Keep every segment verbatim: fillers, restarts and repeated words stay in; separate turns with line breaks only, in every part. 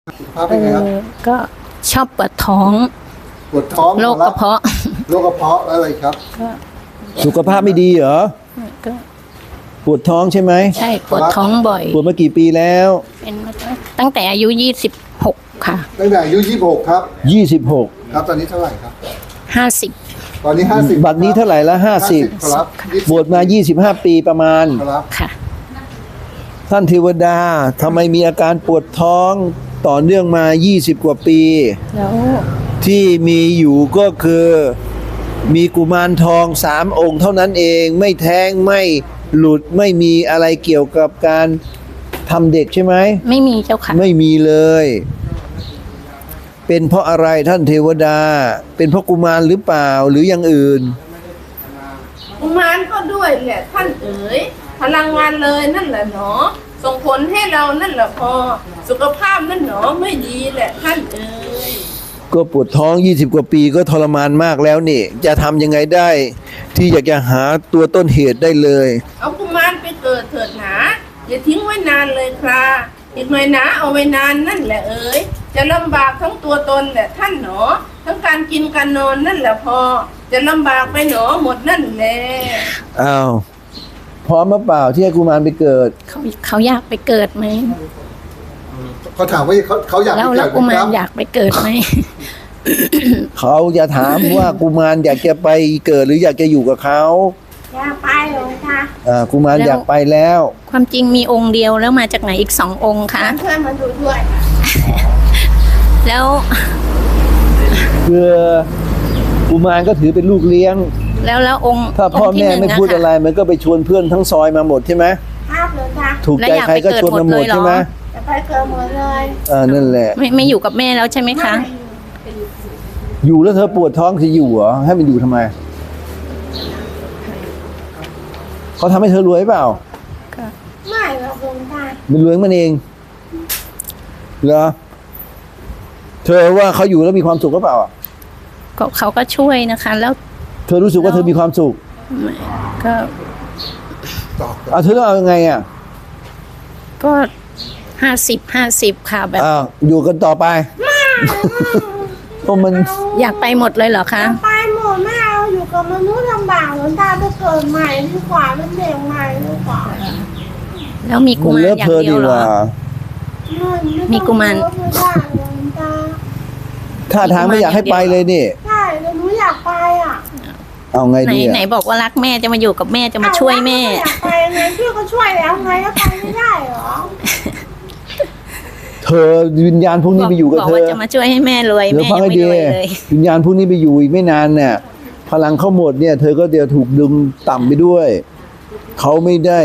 ภาพเป็นไงครับ
ก็ชอบปวดท้อง
ปวดท้อง
โรคกระเพาะ
โรคกระเพาะแล้วอะไรครับ
สุขภาพไม่ดีเหรอ
ก็
ปวดท้องใช่ไหม
ใช่ปวดท้องบ่อย
ปวดมากี่ปีแล้ว
เป็นตั้งแต่อายุยี่สิบหกค่ะ
ตั้งแต่อายุยี่สิบหกครับ
ยี่สิบหก
ครับตอนนี้เท่าไหร่ครับ
ห้าสิบ
ตอนนี้ห้าสิบ
บัดนี้เท่าไหร่ละห้าสิบ
ครับ
บวชมายี่สิบห้าปีประมาณ
ครับ
ค่ะ
ท่านเทวดาทำไมมีอาการปวดท้องต่อเนื่องมายี่สิบกว่าปี
แล้ว
ที่มีอยู่ก็คือมีกุมารทองสามองค์เท่านั้นเองไม่แท้งไม่หลุดไม่มีอะไรเกี่ยวกับการทำเด็กใช่ไหม
ไม่มีเจ้าค่ะ
ไม่มีเลยเป็นเพราะอะไรท่านเทวดาเป็นเพราะกุมารหรือเปล่าหรืออย่างอื่น
กุมารก็ด้วยแหละท่านเอ๋ยพลังงานเลยนั่นแหละหนอส่งผลให้เรานั่นแหละพอสุขภาพนั่นหนอไม่ดีแหละท่านเอ๋ย
ก็ปวดท้องยี่สิบกว่าปีก็ทรมานมากแล้วนี่จะทำยังไงได้ที่อยากจะหาตัวต้นเหตุได้เลย
เอากุมารไปเกิดเถิดหนาอย่าทิ้งไว้นานเลยครับอีกหน่อยนะเอาไว้นานนั่นแหละเอ๋ยจะลำบากทั้งตัวตนแหละท่านหนอทั้งการกินการนอนนั่นแหละพอจะลำบากไปหนอหมดนั่นแหละ
อ้าวพร้อมหรือเปล่าที่ให้กุมารไปเกิด
เขาเขาอยากไปเกิดไหม
เขาถามว่าเขาเขาอยากไปเกิด
แล้วกุมารอยากไปเกิดไหม
เขาจะถามว่ากุมารอยากจะไปเกิดหรืออยากจะอยู่กับเขา
อยากไปหรอคะ
อ่ากุมารอยากไปแล้ว
ความจริงมีองค์เดียวแล้วมาจากไหนอีกสององค์คะ
เพื่อนมาดูด้วย
แล้ว
คือกุมารก็ถือเป็นลูกเลี้ยง
แล้วแล้วองค์
ถ้าพ่อแม่ไม่พูดอะไรมันก็ไปชวนเพื่อนทั้งซอยมาหมดใช่ไหม
ครับเลยค่ะ
ถูกใจใครก็ชวนมาหมดใช่ไหม
จะไปเกิดหมดเลย
อ่านั่นแหละ
ไม่ไม่อยู่กับแม่แล้วใช่ไหมคะ
อยู่แล้วเธอปวดท้องจะอยู่เหรอให้มันอยู่ทำไมเขาทำให้เธอรวยเปล่า
ไม่หรอกลุงตา
มันรวยมันเองเหรอเธอว่าเขาอยู่แล้วมีความสุขหรือเปล่า
ก็เขาก็ช่วยนะคะแล้ว
เธอรู้สึกว่าเธอมีความสุข
ก็
เอาเธอต้องเอายังไงอ่ะ
ก็ห้าสิบห้าสิบค่ะแบบ
อ้าวอยู่กันต่อไปเพราะมัน
อยากไปหมดเลยเหรอคะ
ไปหมดไม่เอาอยู่กับมนุษย์ลำบากหลวงตาไปเกิดใหม่ดีกว่าเป็นเด็กใหม่ดีกว่า
แล้วมีกุมารอย่างเดียวเหรอมีกุมาร
ท่าทางไม่อยากให้ไปเลยนี่
ใช่แต่หนูอยากไปอ่ะ
เอาไงดี
ไหนบอกว่ารักแม่จะมาอยู่กับแม่จะมาช่วยแม่
อยากไปไงพี่ก็ช่วยแล้วไงก็ไปไม่ได้หรอ
เธอวิญญาณพวกนี้ไปอยู่กับเธอบอก
ว่าจะมาช่วยให้แม่รวยแม่ยังไม่รวยเลย
วิญญาณพวกนี้ไปอยู่อีกไม่นานเนี่ยพลังเข้าหมดเนี่ยเธอก็เดี๋ยวถูกดึงต่ำไปด้วยเขาไม่ได้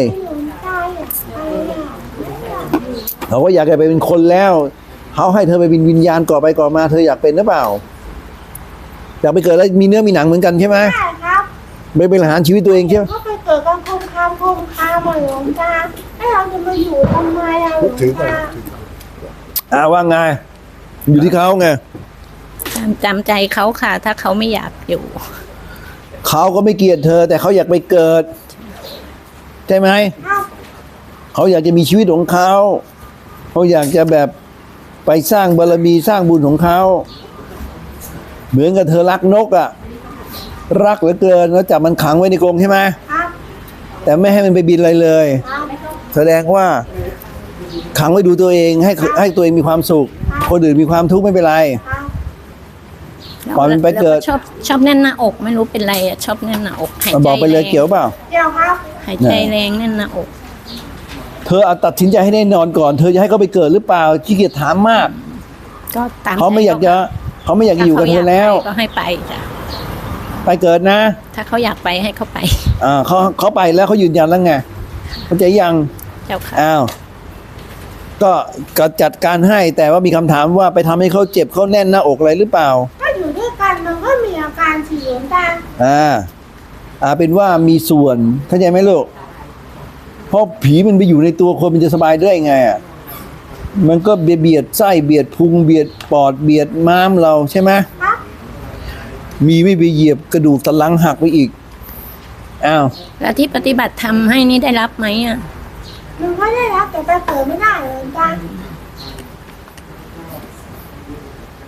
เขาก็อยากจะไปเป็นคนแล้วเขาให้เธอไปเป็นวิญญาณก่อไปก่อมาเธออยากเป็นหรือเปล่าอยากไปเกิดแล้วมีเนื้อมีหนังเหมือนกันใช่ไหม
ใช่ครับ
ไม่เป็นหารชีวิตตัวเองใช่ไหม
ก็ไปเกิดกันคมคามคมคามหลวงตาให้เราจะมาอยู่ทำไมอ่ะหลวงตา
อ่าว่าไงอยู่ที่เขาไง
จำใจเขาค่ะถ้าเขาไม่อยากอยู่
เขาก็ไม่เกลียดเธอแต่เขาอยากไปเกิดใช่ไหมเขาอยากจะมีชีวิตของเขาเขาอยากจะแบบไปสร้างบารมีสร้างบุญของเขาเหมือนกับเธอรักนกอ่ะรักเหลือเกินแล้วจับมันขังไว้ในกรงใช่ไหมแต่ไม่ให้มันไปบินอะไรเลยแสดงว่าขังไว้ดูตัวเองให้ให้ตัวเองมีความสุขคนอื่นมีความทุกข์ไม่เป็นไรก่อนมันไปเกิด
ชอบชอบแน่นหน้าอกไม่รู้เป็นไรอ่ะชอบแน่นหน้าอกหายใจ
บอกไปเลยเกี่ยวเปล่า
เกี่ยวครับ
หายใจแรงแน่นหน้าอก
เธอเอาตัดสินใจให้แน่นอนก่อนเธอจะให้เขาไปเกิดหรือเปล่าขี้เกียจถามมาก
ก็ตาม
เขาไม่อยากจะเขาไม่อยากอยู่กับเธอแล้ว
ก็ให้ไปจ้ะ
ไปเกิดนะ
ถ้าเขาอยากไปให้เขาไป
อ่าเขาเขาไปแล้วเขายืนยันแล้วไงเขาจะยัง
เจ้าค่ะ
อ้าวก็ก็จัดการให้แต่ว่ามีคำถามว่าไปทำให้เขาเจ็บเขาแน่นหน้าอกอะไรหรือเปล่า
ถ้าอยู่ด้วยกันมันก็มีอาการฉี่หลวงตา
อ่าอ่าเป็นว่ามีส่วนเข้าใจไหมลูกเพราะผีมันไปอยู่ในตัวคนมันจะสบายได้ไงอ่ะมันก็เบียดไส้เบียดพุงเบียดปอดเบียดม้ามเราใช่ไหมมีไม่ไปเหยียบกระดูกสันหลังหักไปอีกอ้าว
แล้วที่ปฏิบัติทำให้นี่ได้รับไหมอ่ะ
มันก็ได้รับแต่ไปเกิดไม่ได้เลยจ้า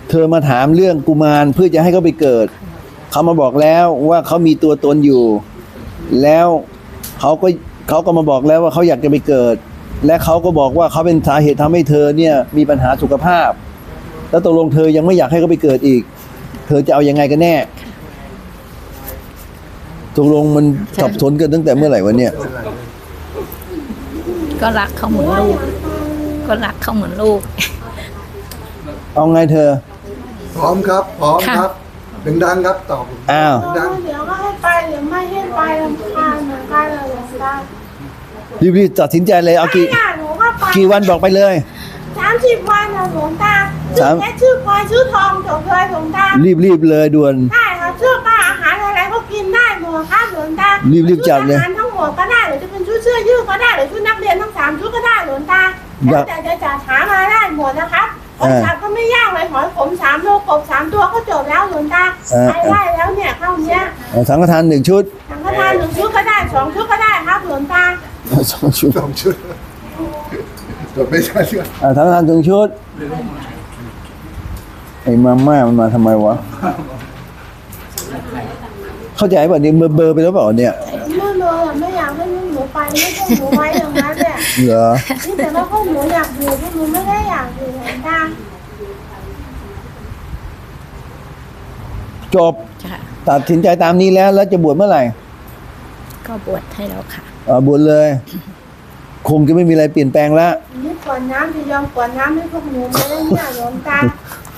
เธอมาถามเรื่องกุมารเพื่อจะให้เขาไปเกิดเขามาบอกแล้วว่าเขามีตัวตนอยู่ แล้วเขาก็เขาก็มาบอกแล้วว่าเขาอยากจะไปเกิด และเขาก็บอกว่าเขาเป็นสาเหตุทำให้เธอเนี่ยมีปัญหาสุขภาพ แล้วตกลงเธอยังไม่อยากให้เขาไปเกิดอีก เธอจะเอายังไงกันแน่ตกลงมันสับสนกันตั้งแต่เมื่อไหร่วะเนี่ย
ก็รักเขาเหมือนลูก ก็รักเขาเหมือนลูก
เอาไงเธอ
พร้อมครับ พร้อม
ค่ะ
ครับดังๆครับตอบ
อ้าว
ดัง
เดี๋ยวก็ให้ไปเดี๋ยวไม่ให้ไปลำคาญเหมือนกันเลยหลวงตา
รีบๆตัดสินใจเลยเอากี่
ไม่อยากหนูก็ไป
กี่วันบอกไปเลย
สามสิบวันนะหลวงตาชื่
สา
อ
ม
เพชรชื่อพลอยชื่อทองจบเลยหลวงตา
รีบๆเลยด่วน
ได้ครับชื่อป้าอาหารอะไรก็กินได้หมดครับหลวงตา
รีบๆจัดเลย
ชุอาหารทั้งหมดก็ได้หรือจะเป็นชุดเสื้อยืดก็ได้หรือชุดนักเรียนทั้งสามชุดก็ได้หลวงตา
อยา
แล้ว
ก
แต่จะจัดหามาได้หมดนะครับห
เอ
อย
อ
สับก็ไม่ยากเลยหอยขมสามโลกบสามตัวก็จบแล้วหลวงตา
เออ
ไปได้แล้วเนี่ยเข้าเนี้ย
เอาสังฆทานหนึ่งชุด
สังฆทานหนึ่งชุดก็ได้สองชุดก็ได้ครับหลวงตา
สองชุด
ๆสองชุดจบไม่ใช่เรื่อง
อ่าสังฆทานหนึ่งชุดไอ้มาม่ามันมาทำไมวะเข้าใจป่ะเนี่ยเบอร์เบอร์ไปแล้วเปล่าเนี่ย
ไม่เลยอะไม่อยากให้ลูกหนูไปไม่ต้องหนูไว้อย่างนั้นแหละ
เหรอ
นี่แต่ว่าพวกหนูอยากอยู่พวกหนูไม่ได้อยากอยู่หลวงตา
จบ
ค่ะ
ตัดสินใจตามนี้แล้วแล้วจะบวชเมื่อไหร่
ก็บวชให้แล้วค่ะ
อ่าบวชเลย คงจะไม่มีอะไรเปลี่ยนแปลงแล้ว
นี่กวนน้ำจะยอมกวนน้ำให้พวกหนูไม่ได้เนี่ยหลวงตา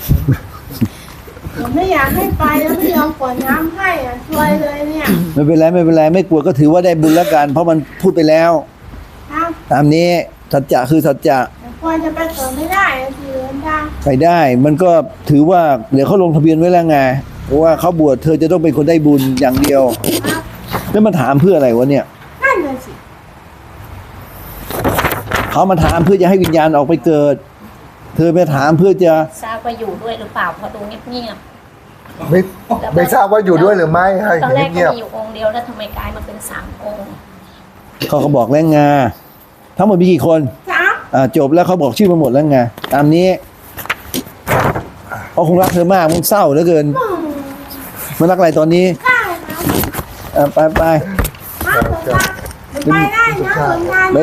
หนูไม่อยากให้ไปแล้วไม่ยอมกวนน้ำให้อ่ะช่วยเลยเนี่ย
ไม่เป็นไรไม่เป็นไรไม่กลัวก็ถือว่าได้บุญแล้วกัน เพราะมันพูดไปแล้ว
ครับ
ตามนี้สัจจะคือสัจจะ
แต่ควรจะไปเกิดไม่ได้อะสิหลวงตา
ไปได้ มันก็ถือว่าเดี๋ยวเขาลงทะเบียนไว้แล้วไงว่าเขาบวชเธอจะต้องเป็นคนได้บุญอย่างเดียว
ครับ
แล้วมาถามเพื่ออะไรวะเนี่ย
นั่นน่ะสิ
เขามาถามเพื่อจะให้วิญญาณออกไปเกิด เธอไปถามเพื่อจะ
ทราบว่าอยู่ด้วยหรือเปล่าเพราะดูเงียบ
ไม่ไม่ทราบว่าอยู่ด้วยหรือไม่ให้
ๆตอนแรกก็
เงียบ
มีอยู่องค์เดียวแล้วทำไมกลายมาเป็นสามองค์
เขาก็บอกแล้วไงทั้งหมดมีกี่คน
จ้า
อ่าจบแล้วเขาบอกชื่อมาหมดแล้วไงตามนี้เขาคงรักเธอมากมันเศร้าเหลือเกินมันรักอะไรตอนนี้
ได้ครับ
อ่าไปไป
ครับหลวงตาหนูไปได้นะหลวงตา